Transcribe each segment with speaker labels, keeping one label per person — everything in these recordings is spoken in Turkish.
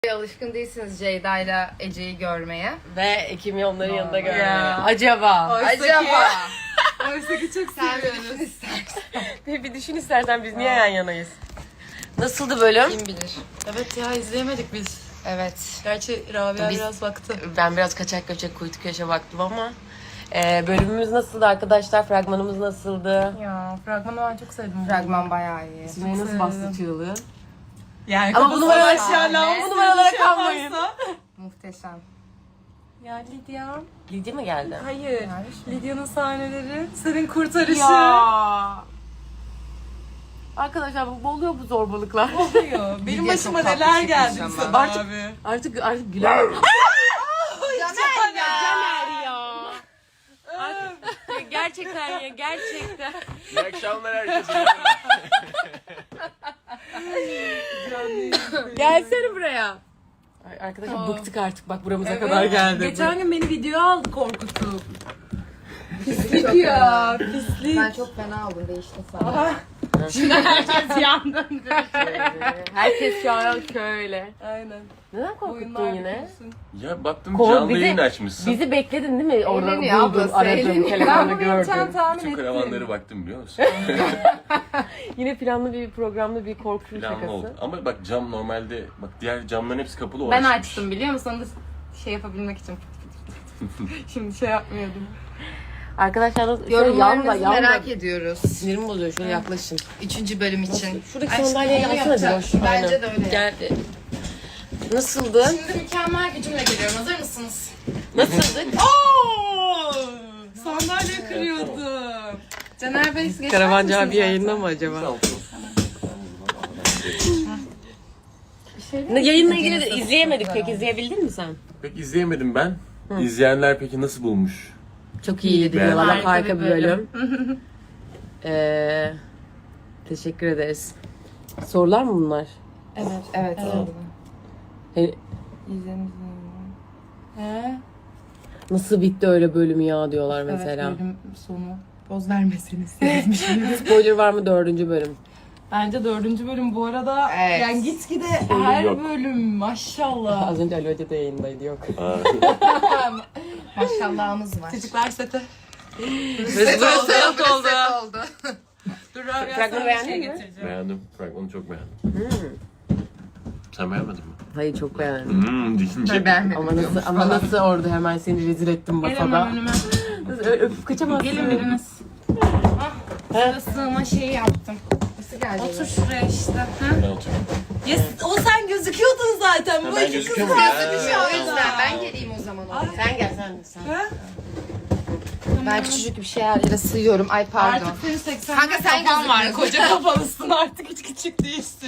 Speaker 1: Alışkın değilsiniz Ceyda ile Ece'yi görmeye.
Speaker 2: Ve Ekim'i onların yanında görmeye.
Speaker 3: Ya.
Speaker 2: Acaba?
Speaker 3: Oysa ki çok seviyoruz.
Speaker 2: Bir düşün istersen biz niye yan yanayız? Nasıldı bölüm?
Speaker 3: Kim bilir.
Speaker 4: Evet ya izleyemedik biz.
Speaker 3: Evet.
Speaker 4: Gerçi Rabia biraz baktı.
Speaker 2: Ben biraz kaçak göçek kuytu köşe baktım ama bölümümüz nasıldı arkadaşlar? Fragmanımız nasıldı?
Speaker 4: Ya fragmanı ben çok sevdim.
Speaker 3: Fragman bayağı iyi.
Speaker 2: Sümeyye nasıl bastı çığlığı?
Speaker 4: Yani
Speaker 2: Ama bu numaralara
Speaker 3: şahane.
Speaker 2: bu numaralara kalmayın.
Speaker 3: Muhteşem.
Speaker 4: Ya Lidya.
Speaker 2: Lidya mı geldi?
Speaker 4: Hayır. Lidya'nın sahneleri. Senin kurtarışı.
Speaker 2: Ya. Arkadaşlar bu oluyor bu zorbalıklar.
Speaker 4: Oluyor. Benim
Speaker 3: Lidya
Speaker 4: başıma
Speaker 3: çok
Speaker 4: neler
Speaker 3: tatlı
Speaker 4: geldi
Speaker 3: çıkmış
Speaker 4: sana
Speaker 3: ama.
Speaker 4: abi.
Speaker 2: Artık güler. Caner ya. Gerçekten ya gerçekten.
Speaker 5: İyi akşamlar herkese.
Speaker 2: Gelsene buraya. Arkadaşlar bıktık artık bak buramıza kadar geldi.
Speaker 4: Geçen gün beni videoya aldı korkutup.
Speaker 3: Pislik
Speaker 4: Ya pislik.
Speaker 3: Ben çok fena oldum, değiştim sana.
Speaker 4: Herkes yandı.
Speaker 2: Herkes şu an şöyle.
Speaker 4: Aynen.
Speaker 2: Neden korkuttun yine?
Speaker 5: Ya baktım
Speaker 2: Kol
Speaker 5: canlı
Speaker 2: bizi-
Speaker 5: yayın açmışsın.
Speaker 2: Bizi bekledin değil mi? Orada
Speaker 3: Eğleniyor
Speaker 2: buldum,
Speaker 3: ablası,
Speaker 2: aradım,
Speaker 3: eğleniyor.
Speaker 4: Ben
Speaker 2: telefonda
Speaker 4: bunu yapacağını
Speaker 2: gördüm.
Speaker 4: tahmin
Speaker 5: Bütün
Speaker 4: ettim.
Speaker 5: karavanları baktım biliyor musun?
Speaker 2: Yine planlı bir programda bir korku
Speaker 5: Planlı
Speaker 2: şakası.
Speaker 5: oldu. Ama bak cam normalde, bak diğer camların hepsi kapalı. O
Speaker 4: Ben
Speaker 5: açmış.
Speaker 4: açtım biliyor musun? Onu da şey yapabilmek için. Şimdi şey yapmıyordum.
Speaker 2: Arkadaşlar
Speaker 3: Yorumlarınızı merak ediyoruz.
Speaker 2: Sinirim bozuyor şöyle yaklaşın.
Speaker 3: 3. bölüm için.
Speaker 2: Şuradaki
Speaker 3: Aşkım,
Speaker 2: sandalyeyi
Speaker 3: onu
Speaker 2: alsana
Speaker 3: yapacak.
Speaker 2: Diloş.
Speaker 3: Bence
Speaker 2: Aynen.
Speaker 3: de öyle.
Speaker 2: Gel. Nasıldı?
Speaker 4: Şimdi mükemmel gücümle geliyorum. Hazır mısınız?
Speaker 2: Nasıldı?
Speaker 4: Sandalye kırıyordum. Caner Bey geçer
Speaker 2: Karavancı abi
Speaker 4: misiniz
Speaker 2: yayında mı acaba? Yayınla ilgili de izleyemedik pek. İzleyebildin mi sen?
Speaker 5: Pek izleyemedim ben. İzleyenler peki nasıl bulmuş?
Speaker 2: Çok iyiydi
Speaker 5: Ben-
Speaker 2: diyorlar.
Speaker 4: Harika
Speaker 2: Harika
Speaker 4: bir
Speaker 2: bir bölüm. Teşekkür ederiz. Sorular mı bunlar?
Speaker 3: Evet.
Speaker 2: Hani nasıl bitti öyle bölüm ya diyorlar mesela.
Speaker 4: Evet, bölüm sonu. Poz vermeseniz.
Speaker 2: Spoiler var mı 4. bölüm?
Speaker 4: Bence 4. bölüm bu arada
Speaker 3: Evet.
Speaker 4: yani gitgide her
Speaker 5: yok.
Speaker 4: bölüm maşallah.
Speaker 2: Az önce Ali Hoca da yayındaydı yok.
Speaker 3: Maşallahımız var.
Speaker 4: Çocuklar sete.
Speaker 2: Burası
Speaker 3: oldu.
Speaker 4: Dur abi
Speaker 2: Fragmanı beğendin mi?
Speaker 5: Beğendim. Fragmanı çok beğendim. Sen beğenmedin mi?
Speaker 2: Hayır çok beğendim.
Speaker 5: Deyince.
Speaker 2: Ama nasıl orada hemen seni rezil ettim
Speaker 4: Gelin
Speaker 2: masada.
Speaker 4: önüme.
Speaker 2: Öpüp kaçamazsın.
Speaker 4: Gelin biriniz.
Speaker 3: Şurada sığma şeyi yaptım. Nasıl geldi?
Speaker 4: Otur şuraya işte. Ha?
Speaker 5: Ben oturuyorum.
Speaker 4: Yes, o sen gözüküyordun zaten. Bu
Speaker 5: Ben
Speaker 4: iki kız
Speaker 5: gözüküyor muyum?
Speaker 3: O yüzden ben geleyim o zaman oraya.
Speaker 2: Sen gel sen.
Speaker 4: Ha?
Speaker 3: Ben küçücük bir şeylerle sığıyorum. Ay pardon.
Speaker 4: Artık senin 80
Speaker 3: Kanka sen
Speaker 4: kafan var.
Speaker 3: gözükmüyorsun.
Speaker 4: Koca kafalısın artık hiç küçük değilsin.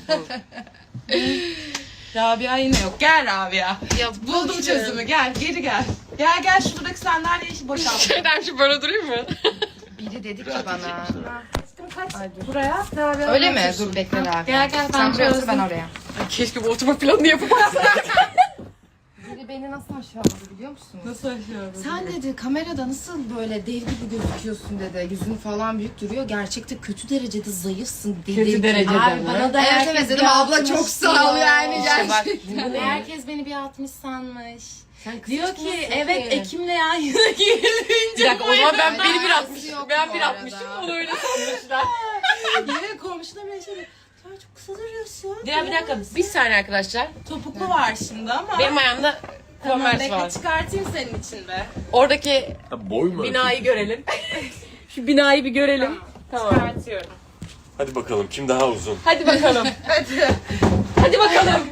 Speaker 4: Rabia yine yok. Gel Rabia.
Speaker 3: Ya
Speaker 4: Buldum çözümü. Gel geri gel. Gel gel şuradaki sandalyeyi boşalt.
Speaker 2: Şeyden şu böyle durayım mı?
Speaker 3: Biri dedi ki bana.
Speaker 4: Kaç buraya. Rabia
Speaker 3: Öyle mi?
Speaker 4: otur.
Speaker 3: Dur bekle abi.
Speaker 4: Gel gel ben
Speaker 3: Sen buraya otur, ben
Speaker 4: çözdüm.
Speaker 3: oraya.
Speaker 2: Keşke bu oturma planını yapıp
Speaker 3: Biri beni nasıl aşağıladı biliyor musun?
Speaker 4: Nasıl aşıyorum?
Speaker 3: Sen dedi kamerada nasıl böyle dev gibi gözüküyorsun dedi. Yüzün falan büyük duruyor. Gerçekte kötü derecede zayıfsın dedi.
Speaker 2: Kötü derecede
Speaker 4: Abi
Speaker 2: mi?
Speaker 4: bana da
Speaker 3: Evet
Speaker 4: herkes
Speaker 3: evet dedim
Speaker 4: bir
Speaker 3: abla
Speaker 4: 60
Speaker 3: çok sağ ol
Speaker 4: diyor.
Speaker 3: yani
Speaker 2: İşte bak
Speaker 3: gerçekten.
Speaker 4: Herkes beni bir 60 sanmış.
Speaker 2: Sen
Speaker 4: Diyor ki
Speaker 2: kıskançsın
Speaker 4: evet
Speaker 2: ki.
Speaker 4: Ekim'le yan yana gelince
Speaker 2: Bir dakika o zaman ben
Speaker 3: Öyle
Speaker 2: 1.60
Speaker 3: alakası yok
Speaker 2: ben
Speaker 3: bu
Speaker 2: 1.60'ım
Speaker 3: arada.
Speaker 2: onu öyle sanmışlar.
Speaker 4: yine komşular bile şey diyor. Sen çok kısa duruyorsun.
Speaker 2: Ya bir dakika bir saniye arkadaşlar.
Speaker 4: Topuklu var şimdi ama.
Speaker 2: Benim ayağımda
Speaker 4: Tamam
Speaker 2: Converse
Speaker 4: bekle
Speaker 2: var.
Speaker 4: çıkartayım senin için be.
Speaker 2: Oradaki
Speaker 5: Ha, boy mu?
Speaker 2: binayı görelim. Şu binayı bir görelim. Tamam.
Speaker 4: Çıkartıyorum.
Speaker 5: Hadi bakalım kim daha uzun?
Speaker 2: Hadi bakalım. Hadi bakalım.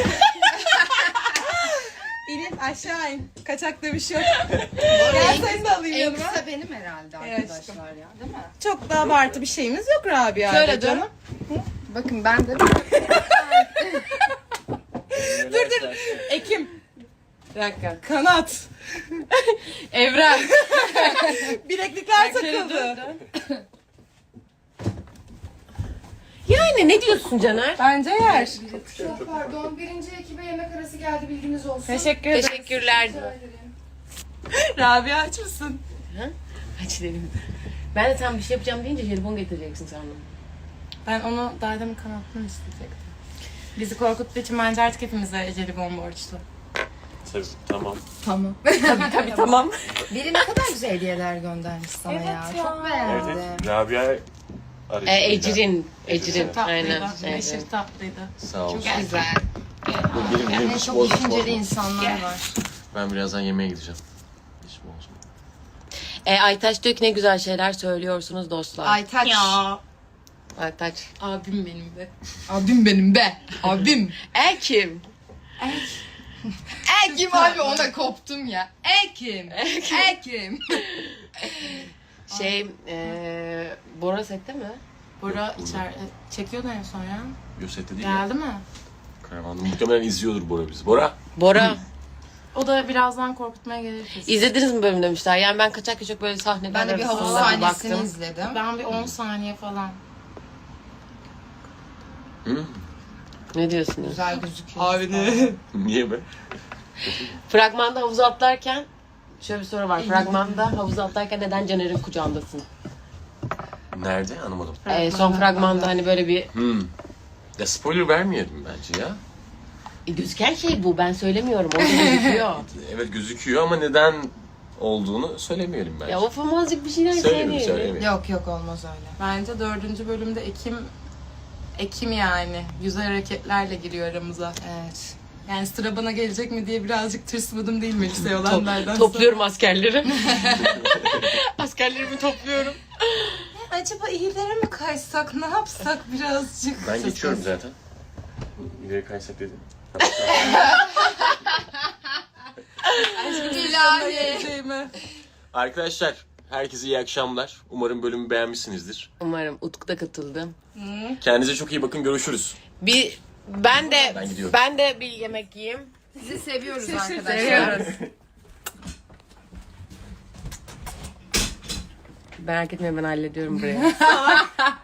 Speaker 4: İnip aşağı in. Kaçakta bir şey yok. Gel seni de alayım
Speaker 3: En
Speaker 4: yanıma.
Speaker 3: kısa benim herhalde arkadaşlar ya değil mi?
Speaker 4: Çok da abartı bir şeyimiz yok Rabia.
Speaker 2: Şöyle dur.
Speaker 4: canım.
Speaker 3: Bakın ben de
Speaker 5: Dur.
Speaker 4: Ekim.
Speaker 2: Bir dakika.
Speaker 4: Kanat.
Speaker 2: Evren.
Speaker 4: Bileklikler takıldı.
Speaker 2: Yani ne diyorsun Caner?
Speaker 4: Bence yer.
Speaker 3: çok pardon. Birinci ekibe yemek arası geldi bilginiz olsun.
Speaker 4: Teşekkür ederim.
Speaker 2: Teşekkürler.
Speaker 4: Rabia aç mısın?
Speaker 2: Aç dedim. Ben de tam bir şey yapacağım deyince jelibon getireceksin sandım.
Speaker 4: Ben onu daha demin kanatını isteyecektim. Bizi korkuttuğu için bence artık hepimize eceli borçlu.
Speaker 5: Tabii, tamam.
Speaker 3: Tamam.
Speaker 2: Tabii tamam.
Speaker 3: Biri ne kadar güzel hediyeler göndermiş sana
Speaker 4: Evet
Speaker 3: ya.
Speaker 4: ya.
Speaker 3: Çok beğendim.
Speaker 5: Evet, Rabia aracılığıyla.
Speaker 2: Ecrin.
Speaker 4: Çok tatlıydı.
Speaker 2: Aynen.
Speaker 4: Aşırı tatlıydı.
Speaker 5: Sağ olsun.
Speaker 3: Çok güzel.
Speaker 5: Benim
Speaker 3: Yani
Speaker 5: hiç
Speaker 3: çok
Speaker 5: bozma.
Speaker 3: düşünceli insanlar var.
Speaker 5: Ben birazdan yemeğe gideceğim. Hiç bozma.
Speaker 2: Aytaç diyor ki ne güzel şeyler söylüyorsunuz dostlar.
Speaker 3: Aytaç.
Speaker 4: Ya.
Speaker 2: Aytaç.
Speaker 4: Abim benim de.
Speaker 3: Abim benim be. Abim.
Speaker 2: Kim?
Speaker 3: Ekim abi ona koptum ya. Ekim. Ekim.
Speaker 2: Bora sette mi?
Speaker 4: Bora içeride çekiyordu en son ya.
Speaker 5: Yosette değil ya.
Speaker 4: Geldi mi?
Speaker 5: Karavanda muhtemelen izliyordur Bora bizi. Bora.
Speaker 2: Bora.
Speaker 4: O da birazdan korkutmaya gelir kesin.
Speaker 2: İzlediniz mi bölüm demişler. Yani ben kaçak kaçak böyle sahneler
Speaker 3: Ben de bir havuz
Speaker 2: arasında
Speaker 3: sahnesini
Speaker 2: baktım.
Speaker 3: izledim.
Speaker 4: Ben bir 10 saniye falan.
Speaker 5: Hı?
Speaker 2: Ne diyorsunuz?
Speaker 3: Güzel gözüküyor.
Speaker 5: Niye be?
Speaker 2: Fragmanda havuza atlarken şöyle bir soru var. Fragmanda havuza atlarken neden Caner'in kucağındasın?
Speaker 5: Nerede? Anlamadım.
Speaker 2: Son fragmanda hani böyle bir
Speaker 5: Ya spoiler vermeyelim bence ya.
Speaker 2: gözüken şey bu. Ben söylemiyorum. Orada gözüküyor.
Speaker 5: Evet gözüküyor ama neden olduğunu söylemeyelim bence.
Speaker 2: Ya o famazcık bir şeyler
Speaker 5: Söylemeyelim,
Speaker 2: söyleyelim.
Speaker 5: söylemeyelim.
Speaker 3: Yok olmaz öyle.
Speaker 4: Bence 4. bölümde Ekim yani. Güzel hareketlerle giriyor aramıza.
Speaker 3: Evet.
Speaker 4: Yani sıra bana gelecek mi diye birazcık tırsmadım değil mi lise olanlardan sonra.
Speaker 2: Topluyorum askerleri. Askerlerimi topluyorum.
Speaker 4: Acaba iyilere mi kaysak, ne yapsak birazcık?
Speaker 5: Ben geçiyorum zaten. İleri kaysak dedim.
Speaker 4: İlahi.
Speaker 5: Arkadaşlar herkese iyi akşamlar. Umarım bölümü beğenmişsinizdir.
Speaker 2: Umarım Utku da katıldı.
Speaker 5: Kendinize çok iyi bakın. Görüşürüz.
Speaker 2: Ben
Speaker 5: gidiyorum.
Speaker 2: de bir yemek yiyeyim.
Speaker 3: Sizi seviyoruz arkadaşlar.
Speaker 2: Seviyoruz. Merak etmeyin ben hallediyorum burayı.